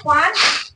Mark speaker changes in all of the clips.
Speaker 1: ขวาน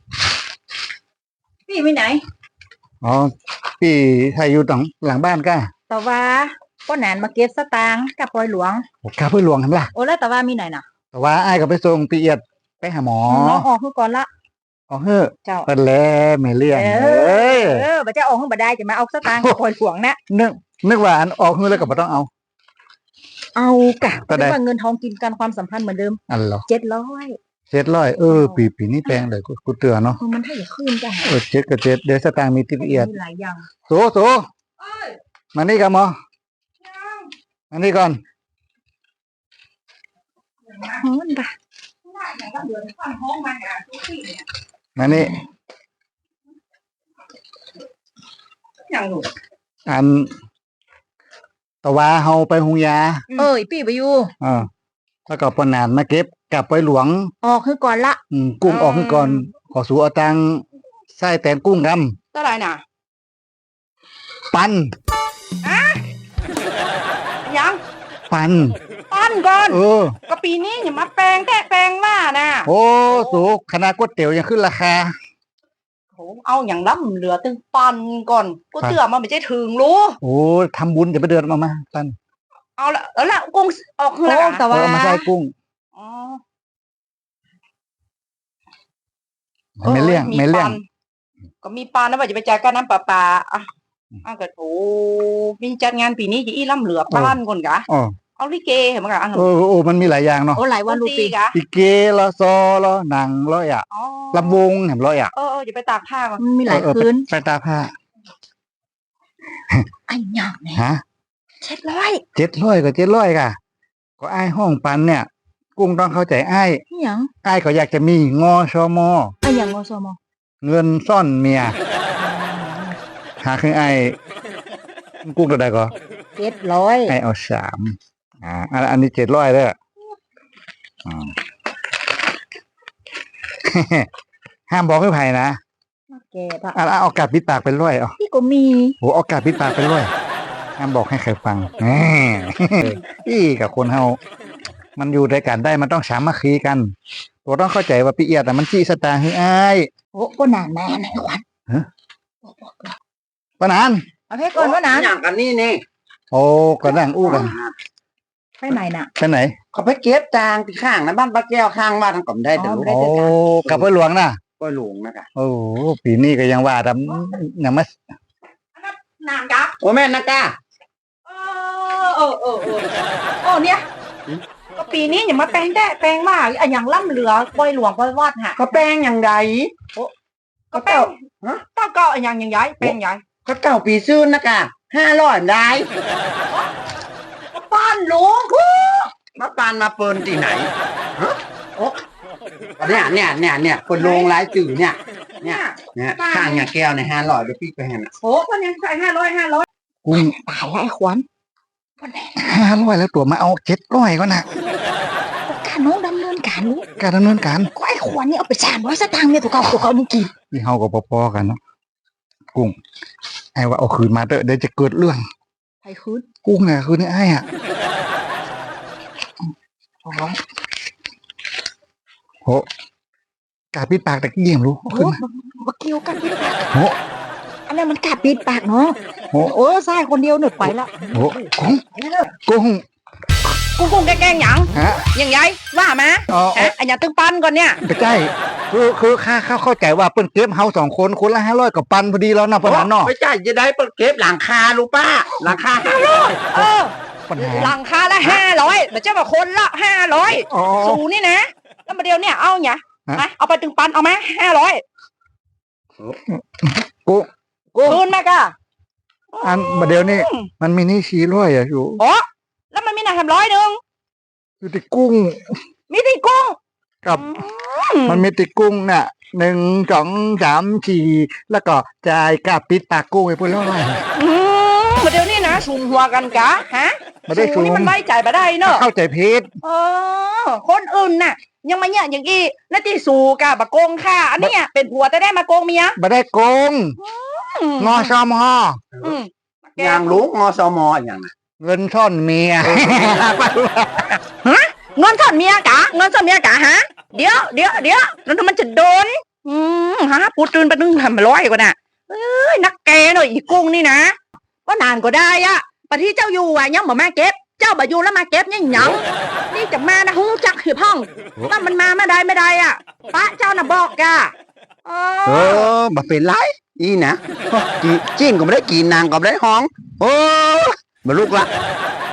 Speaker 1: พี่ไปไหน
Speaker 2: อ๋อพี่ไทยอยู่ตรงหลังบ้านก้า
Speaker 1: แต่ว่าป้อนแหนมาเก็บสตางค์กับปอยหลวง
Speaker 2: โอ้ข้าเพื่อหลวงทำล่ะ
Speaker 1: โอ้แล้วแต่ว่ามีไหนน่ะ
Speaker 2: แต่ว่าไอ้ายก็ไปส่งปีเอียดไปหาหมอ
Speaker 1: น้องออกคือก่อนละ
Speaker 2: อ๋อเฮ้อ
Speaker 1: เจ้า
Speaker 2: เปิดแล้วไม่เลี่ยง
Speaker 1: บ่จะออกคือบ่ได้จะมาเอาสตางค์กับปอยหลวงนะ
Speaker 2: นึกว่าอันออกเฮ้อแล้วก็บ่ต้องเอา
Speaker 1: กะแต่ว่าเงินทองกินกันความสัมพันธ์เหมือนเดิม
Speaker 2: อันเหรอ
Speaker 1: 700
Speaker 2: ปีนี้แพงเลยกูเตือนเนาะ
Speaker 1: มันให้ขึ้นจ้ะ
Speaker 2: 7กับ7เดี๋ยวสตางค์มีติบเอียด
Speaker 1: หลายอย่าง
Speaker 2: โสมานี่กันหมอมานี่ก่อน
Speaker 1: มันปะ
Speaker 2: มานี่อันตะวาเฮาไปหุงยา
Speaker 1: พี่ไปอยู่
Speaker 2: แล้วก็ปนานมาเก็บกลับไปหลวง
Speaker 1: ออกคือก่อนละ
Speaker 2: กุ้งออกคือก่อนขอสู่เอาตังไส้แตนกุ้งก
Speaker 1: ำเท่าไหร่น่ะ
Speaker 2: ปัน
Speaker 1: ยัง
Speaker 2: ปัน
Speaker 1: ก่อนก็ปีนี้อย่ามาแปลงว่านะ
Speaker 2: โอ้สูคณะก๋วยเตี๋ยวยังขึ้นราคา
Speaker 1: โหเอาอย่างล้ำเหลือตึงปันก่อนกูเตือมาไม่ใช่ถึงรู้
Speaker 2: โอ้ทำบุญจะไปเดือนมาปัน
Speaker 1: เอาละกุ้งออกคือ
Speaker 2: แต่ว่ามาใส่กุ้งไม่เลี่ยง
Speaker 1: ก็มีปานนะว่าจะไปจ่ายค่าน้ำประปาก็โอ้มีจัดงานปีนี้จะอีล่ำเหลือบ้านคนกะเอาลิเกเห็นมั้ยกะ
Speaker 2: โอ้มันมีหลายอย่างเนาะ
Speaker 1: หลายวันรูปีกะ
Speaker 2: ลิเกละซอละหนังละอ่ะลำวงเห็นละอ่ะ
Speaker 1: จะไปตากผ้ามันมีหลายคืน
Speaker 2: ไปตากผ้า
Speaker 1: ไอ้หยังเนี่ย
Speaker 2: ฮะ
Speaker 1: 700
Speaker 2: ก็700ค่ะก็ไอ้ห้องปันเนี่ยกุ้งต้องเข้าใจไอ้ก็อยากจะมีงอชม
Speaker 1: ไอ้อย่างงอชม
Speaker 2: เงินซ่อนเมียหาคือไอ้กุ้งตัวใดก็
Speaker 1: 700
Speaker 2: ไอ้เอา3อันนี้700เด้อห้ามบอกให้ไผนะเอากาบปิดปากเป็นร้อย
Speaker 1: พี่ก็มี
Speaker 2: โหเอากาบปิดปากเป็นร้อยห้ามบอกให้ใครฟังพี่กับคนเฮามันอยู่ด้วยกันได้มันต้องสามัคคีกันตัวต้องเข้าใจว่าปีเอียดแต่มันจี้สตาร์ให้อ้าย
Speaker 1: ก็นานมาไหนขวัญ
Speaker 2: ปนาน
Speaker 1: เอาเพก่อนว่านาน
Speaker 3: อย่างกันนี่
Speaker 2: โอ้ก็นั่งอู้กัน
Speaker 1: ไปไหนน่ะ
Speaker 2: ไปไหน
Speaker 3: เขาไปเก็บจางที่ข้างนะบ้านป้าแก้วข้างบ้านทางก่อมได้แต่
Speaker 2: โอ้กับพ่อหลวงนะ
Speaker 3: พ่อหลวงนะกะ
Speaker 2: โอ้ปีนี้ก็ยังว่าทำยังไม่
Speaker 1: นานกะ
Speaker 3: โอ้แม่นะกะ
Speaker 1: เนี่ยก็ปีนี้อย่ามาแปลงว่าอย่างล่ำเหลือปอยหลวงปอยวอดฮะ
Speaker 3: ก็แปลงอย่างไร
Speaker 1: ก็แปลงก็อย่างย้ายแปลงย้าย
Speaker 3: ก็เก่าปีซื่นนะกะ500ได้
Speaker 1: ก็ป้านหลวง
Speaker 3: มาปานมาเปินที่ไหนเนี่ยคนลงรายจื่อเนี่ยข้างเนี่ยแก้วใน500เดี๋ยวพี่ไปให้นะ
Speaker 1: คนยังใส่500
Speaker 2: กุ้ง
Speaker 1: ตายแล้วไอ้ขวัญ
Speaker 2: 500แล้วตัวมาเอา700ก็นะ
Speaker 1: การน้องดำเนินการรู้
Speaker 2: การดำเนินการ
Speaker 1: ก็ไอ้ขวัญนี่เอาไป300สตางค์เนี่ยตัวเขามึงกิน
Speaker 2: นี่เฮาก็พอๆกันเนาะกุ้งไอ้ว่าเอาคืนมาเดี๋ยวจะเกิดเรื่อง
Speaker 1: ใครคืน
Speaker 2: กุ้งน่ะคืนนี่ไอ้โหกาปิดปากแต่เกี่ยมรู้
Speaker 1: ขึ้นมาเกี่ยวกาปิดปากอันนั้นมันกาปิดปากเนาะใช่คนเดียวหนึ่งไปละกุ้งแกงหยังยังไงว่ามาอันนี้ตึงปันก่อนเนี่ย
Speaker 2: ไม่ใช่คือข้าเข้าใจว่าเปิ้นเก็บเฮา2คนคนละ500กับปันพอดีแล้วนะปนานเนาะ
Speaker 3: ไม่ใช่จะได้เปิ้นเก็บหลังคารู้ป่ะหลังคา
Speaker 1: 500หลังคาละ500แต่เจ้าบอกคนละ500สูนี่นะแล้วมาเดียวเนี่ยเอาเนี่ยเอาไปตึงปันเอาไหม500คืนแม่กะ
Speaker 2: อันมาเดียวนี่มันมีนี่400อยู่
Speaker 1: แล้วมันมีหนัก100นึง
Speaker 2: อยู่ที่กุ้ง
Speaker 1: มีที่กุ้ง
Speaker 2: กับมันมีที่กุ้งน่ะ1 2 3 4แล้วก็จ่ายกาปิดปากกุ้งไปพุ่น100
Speaker 1: มาเดี๋ยวนี้นะชุมหัวกันกะฮะชุมนี่มันไว้ใจมาได้เนอะ
Speaker 2: เข้าใจผิด
Speaker 1: คนอื่นน่ะยังมาเนี่ยอย่างอีนาทีสู่กะบะโกงค่ะอันนี้เป็นผัวแต่ได้มาโกงเมีย
Speaker 2: บ่ได้โกงงอชม
Speaker 3: อย่างรู้งอสมอย่าง
Speaker 2: เงินซ่อนเมีย
Speaker 1: เงินซ่อนเมียกะฮะแล้วมันจะโดนฮะปูตื่นไปนึงทำร้อยกว่าน่ะเอ้ยนักแกหน่อยอีกุ้งนี่นะว่านานก็ได้อะปะที่เจ้าอยู่อ่ะยังบ่มาเก็บเจ้าบ่อยู่แล้วมาเก็บยังหยังนี่จะมานะฮู้จักหิพ่องว่ามันมาไม่ได้อ่ะป้าเจ้าน่ะบอกกะ
Speaker 3: บ่เป็นไรอีนะจีนก็ไม่ได้กินนางก็ไม่ได้ห้องโอ้บ่ลูกละ